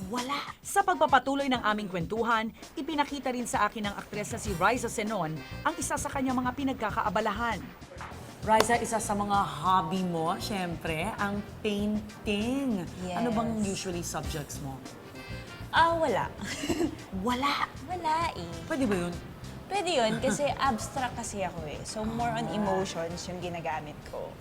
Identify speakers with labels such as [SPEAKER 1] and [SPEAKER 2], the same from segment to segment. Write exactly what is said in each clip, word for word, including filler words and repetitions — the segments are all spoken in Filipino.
[SPEAKER 1] Wala. Sa pagpapatuloy ng aming kwentuhan, ipinakita rin sa akin ng aktres na si Riza Senon ang isa sa kanyang mga pinagkakaabalahan. Riza, isa sa mga hobby mo, syempre, ang painting.
[SPEAKER 2] Yes.
[SPEAKER 1] Ano bang usually subjects mo?
[SPEAKER 2] Ah, wala.
[SPEAKER 1] Wala.
[SPEAKER 2] Wala eh.
[SPEAKER 1] Pwede ba yun?
[SPEAKER 2] Pwede yun kasi abstract kasi ako eh. So more on emotions yung ginagamit ko.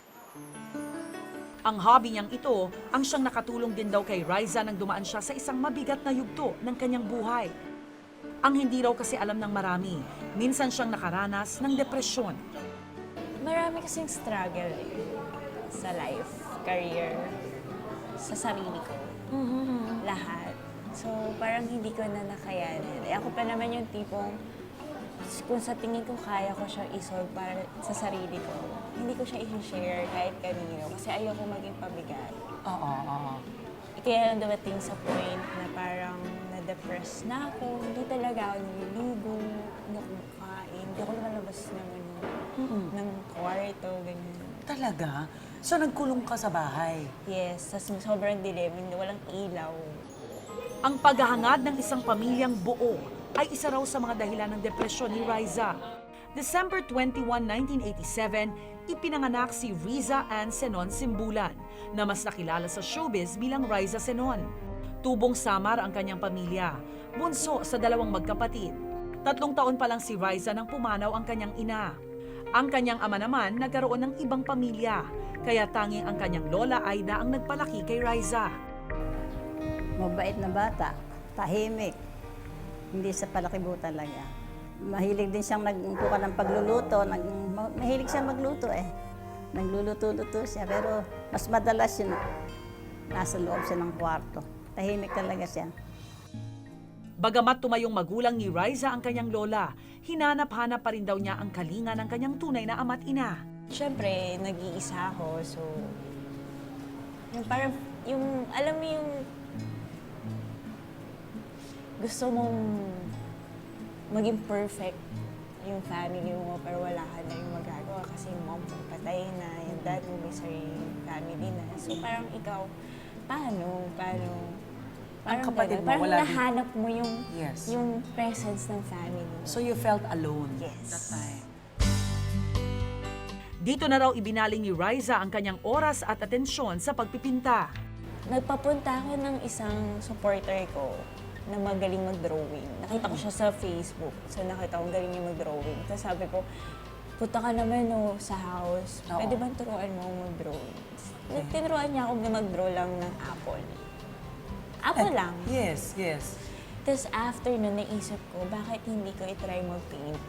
[SPEAKER 1] Ang hobby niyang ito, ang siyang nakatulong din daw kay Riza nang dumaan siya sa isang mabigat na yugto ng kanyang buhay. Ang hindi raw kasi alam ng marami, minsan siyang nakaranas ng depresyon.
[SPEAKER 2] Marami kasing struggle eh. Sa life, career, sa sarili ko. Lahat. So parang hindi ko na nakayanin. Eh, ako pa naman yung tipong kung sa tingin ko kaya ko siya isolve para sa sarili ko, hindi ko siya i-share kahit kanino kasi ayoko maging pabigat.
[SPEAKER 1] Oo, oo.
[SPEAKER 2] Kaya lang dumating sa point na parang na-depress na ako, hindi talaga ako nililigo, hindi ako makain, hindi ako lumalabas ng, ano, ng kwarto, ganyan.
[SPEAKER 1] Talaga? So nagkulong ka sa bahay?
[SPEAKER 2] Yes, tas sobrang dilim, hindi walang ilaw.
[SPEAKER 1] Ang paghahangad ng isang pamilyang buo ay isa raw sa mga dahilan ng depresyon ni Riza. December twenty-first, nineteen eighty-seven, ipinanganak si Riza Ann Senon Simbulan, na mas nakilala sa showbiz bilang Riza Senon. Tubong Samar ang kanyang pamilya, bunso sa dalawang magkapatid. Tatlong taon pa lang si Riza nang pumanaw ang kanyang ina. Ang kanyang ama naman nagkaroon ng ibang pamilya, kaya tanging ang kanyang lola Aida ang nagpalaki kay Riza.
[SPEAKER 3] Mabait na bata, tahimik, hindi sa palakibo talaga. Mahilig din siyang nagkuka ng pagluluto, nag, ma- mahilig siyang magluto eh. Nagluluto-luto siya, pero mas madalas yun, nasa loob siya ng kwarto. Tahimik talaga siya.
[SPEAKER 1] Bagamat tumayong magulang ni Riza ang kanyang lola, hinanap-hanap pa rin daw niya ang kalinga ng kanyang tunay na ama't ina.
[SPEAKER 2] Siyempre, nag-iisa ako, so yung parang, yung, alam mo yung gusto mong maging perfect yung family mo, pero wala ka na yung magagawa kasi yung mom mo patay na, yung dad mo may sariling family na. So parang ikaw, paano, paano, parang
[SPEAKER 1] kapatid
[SPEAKER 2] ganun.
[SPEAKER 1] mo,
[SPEAKER 2] Parang
[SPEAKER 1] wala din-
[SPEAKER 2] nahanap mo yung,
[SPEAKER 1] Yes.
[SPEAKER 2] yung presence ng family mo.
[SPEAKER 1] So you felt alone
[SPEAKER 2] Yes.
[SPEAKER 1] that time? Dito na raw ibinaling ni Riza ang kanyang oras at atensyon sa pagpipinta.
[SPEAKER 2] Nagpapunta ako ng isang supporter ko na magaling mag-drawing. Nakita ko siya sa Facebook. So nakita ko galing niya mag-drawing. Tapos sabi ko, punta ka naman no, sa house.
[SPEAKER 1] Oo.
[SPEAKER 2] Pwede ba turuan mo mag-drawing? Okay. Tinuruan niya ako na mag-draw lang ng apple. Apple lang.
[SPEAKER 1] Yes, yes.
[SPEAKER 2] Tapos after nun, naisip ko, bakit hindi ko itry mag-paint?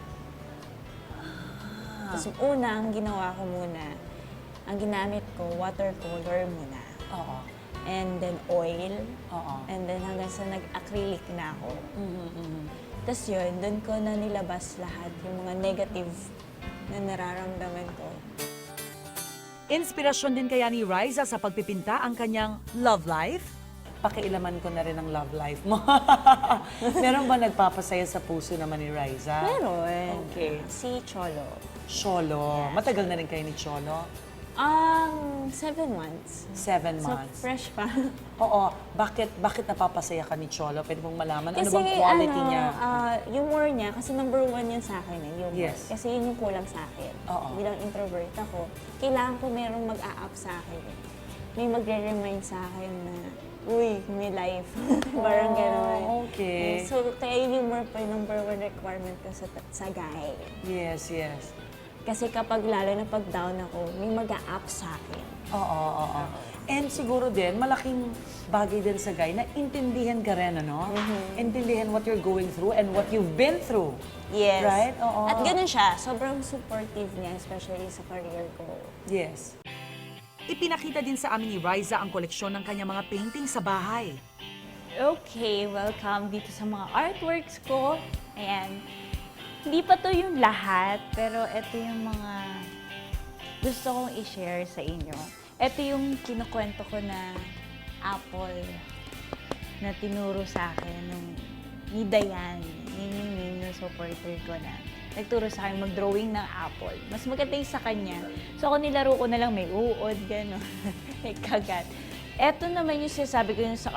[SPEAKER 2] Tapos una, ang ginawa ko muna, ang ginamit ko, watercolor muna.
[SPEAKER 1] Oo.
[SPEAKER 2] And then oil.
[SPEAKER 1] Oo.
[SPEAKER 2] And then hanggang sa nag-acrylic na ako.
[SPEAKER 1] Mm-hmm.
[SPEAKER 2] Tapos yun, doon ko na nilabas lahat yung mga negative na nararamdaman ko.
[SPEAKER 1] Inspirasyon din kaya ni Riza sa pagpipinta ang kanyang love life? Pakialaman ko na rin ang love life mo. Meron ba nagpapasaya sa puso naman ni Riza?
[SPEAKER 2] Meron.
[SPEAKER 1] Okay.
[SPEAKER 2] Si Cholo.
[SPEAKER 1] Cholo. Matagal na rin kayo ni Cholo?
[SPEAKER 2] Um, seven months.
[SPEAKER 1] Seven
[SPEAKER 2] So,
[SPEAKER 1] months.
[SPEAKER 2] fresh pa.
[SPEAKER 1] Oo. Bakit bakit napapasaya ka ni Cholo? Pwede mong malaman? Ano
[SPEAKER 2] Kasi
[SPEAKER 1] bang quality
[SPEAKER 2] ano,
[SPEAKER 1] niya?
[SPEAKER 2] ah, humor niya, kasi number one yun sa akin eh, humor.
[SPEAKER 1] Yes.
[SPEAKER 2] Kasi yun yung kulang sa akin.
[SPEAKER 1] Oo.
[SPEAKER 2] Bilang introvert ako, kailangan ko merong mag-a-up sa akin. eh. May magre-remind sa akin na, uy, may life. Parang gano'n.
[SPEAKER 1] okay.
[SPEAKER 2] So, kaya yung humor pa yung number one requirement ko sa, sa guy.
[SPEAKER 1] Yes, yes.
[SPEAKER 2] Kasi kapag lalo na pag down ako, may mag-a-up sa akin.
[SPEAKER 1] Oo, oo, oo. And siguro din, malaking bagay din sa guy na intindihan ka rin, ano? Intindihan what you're going through and what you've been through.
[SPEAKER 2] Yes.
[SPEAKER 1] Right? Oo.
[SPEAKER 2] At ganun siya. Sobrang supportive niya, especially sa career ko.
[SPEAKER 1] Yes. Ipinakita din sa amin ni Riza ang koleksyon ng kanyang mga painting sa bahay.
[SPEAKER 4] Okay, welcome dito sa mga artworks ko. Ayan. Hindi pa to yung lahat, pero ito yung mga gusto kong i-share sa inyo. Ito yung kinukwento ko na apple na tinuro sa akin nung ni Dayan, yun yung name ng supporter ko na nagturo sa akin mag-drawing ng apple. Mas maganda yung sa kanya. So ako nilaro ko na lang may uod, gano'n, may kagat. Eto naman yung sinasabi ko yung sa art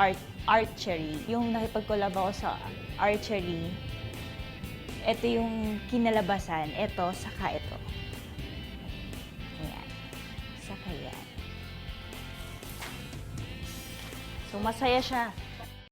[SPEAKER 4] archery. Yung nakipag-collab ako sa archery, ito yung kinalabasan. Ito, saka ito. Ayan. Saka yan. So, masaya siya.